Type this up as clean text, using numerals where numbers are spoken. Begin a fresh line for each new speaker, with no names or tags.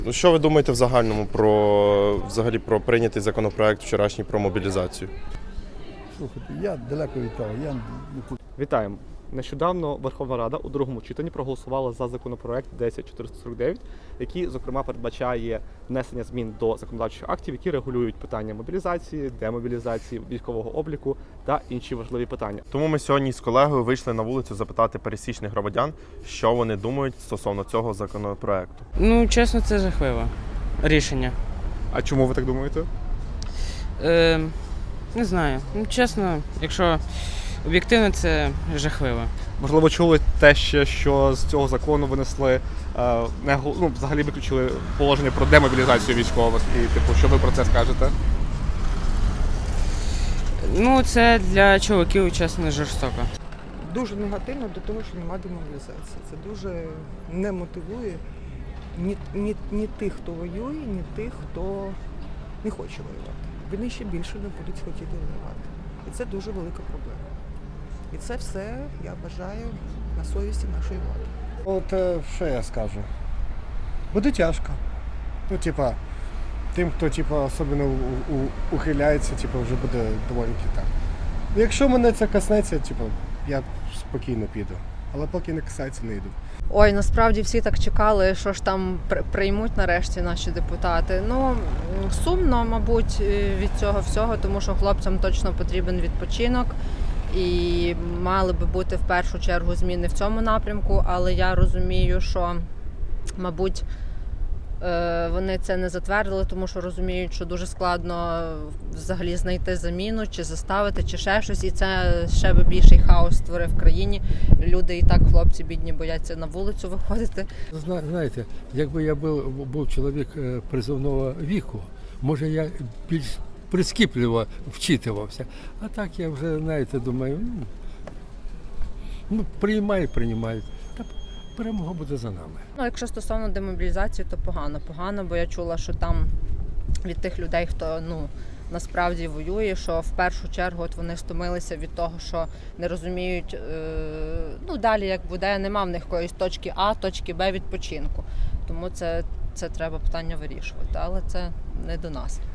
Ну, що ви думаєте в загальному взагалі про прийнятий законопроект вчорашній про мобілізацію?
Слухайте, я далеко від того.
Вітаємо! Нещодавно Верховна Рада у другому читанні проголосувала за законопроект 10449, який, зокрема, передбачає внесення змін до законодавчих актів, які регулюють питання мобілізації, демобілізації, військового обліку та інші важливі питання.
Тому ми сьогодні з колегою вийшли на вулицю запитати пересічних громадян, що вони думають стосовно цього законопроекту.
Ну, чесно, це жахливе рішення.
А чому ви так думаєте?
Не знаю. Ну, чесно, якщо об'єктивно, це жахливо.
Можливо, чули те ще, що з цього закону винесли, взагалі виключили положення про демобілізацію військових. І, що ви про це скажете?
Ну, це для чоловіків, чесно, жорстоко.
Дуже негативно до того, що немає демобілізації. Це дуже не мотивує ні тих, хто воює, ні тих, хто не хоче воювати. Вони ще більше не будуть хотіти воювати. І це дуже велика проблема. І це все, я вважаю, на совісті нашої влади.
От що я скажу? Буде тяжко. Ну, тим, хто особливо ухиляється, вже буде доволі так. Якщо мене це коснеться, я спокійно піду. Але поки не касається, не йду.
Ой, насправді всі так чекали, що ж там приймуть нарешті наші депутати. Ну, сумно, мабуть, від цього всього, тому що хлопцям точно потрібен відпочинок. І мали би бути в першу чергу зміни в цьому напрямку, але я розумію, що, мабуть, вони це не затвердили, тому що розуміють, що дуже складно взагалі знайти заміну, чи заставити, чи ще щось. І це ще би більший хаос створив в країні. Люди і так, хлопці бідні, бояться на вулицю виходити.
Знаєте, якби я був чоловік призовного віку, може я більш прискіпливо вчитувався. А так я вже, думаю, приймають. Та перемога буде за нами.
Ну, якщо стосовно демобілізації, то погано, бо я чула, що там від тих людей, хто, насправді воює, що в першу чергу от вони стомилися від того, що не розуміють, далі як буде, нема в них якоїсь точки А, точки Б відпочинку. Тому це треба питання вирішувати, але це не до нас.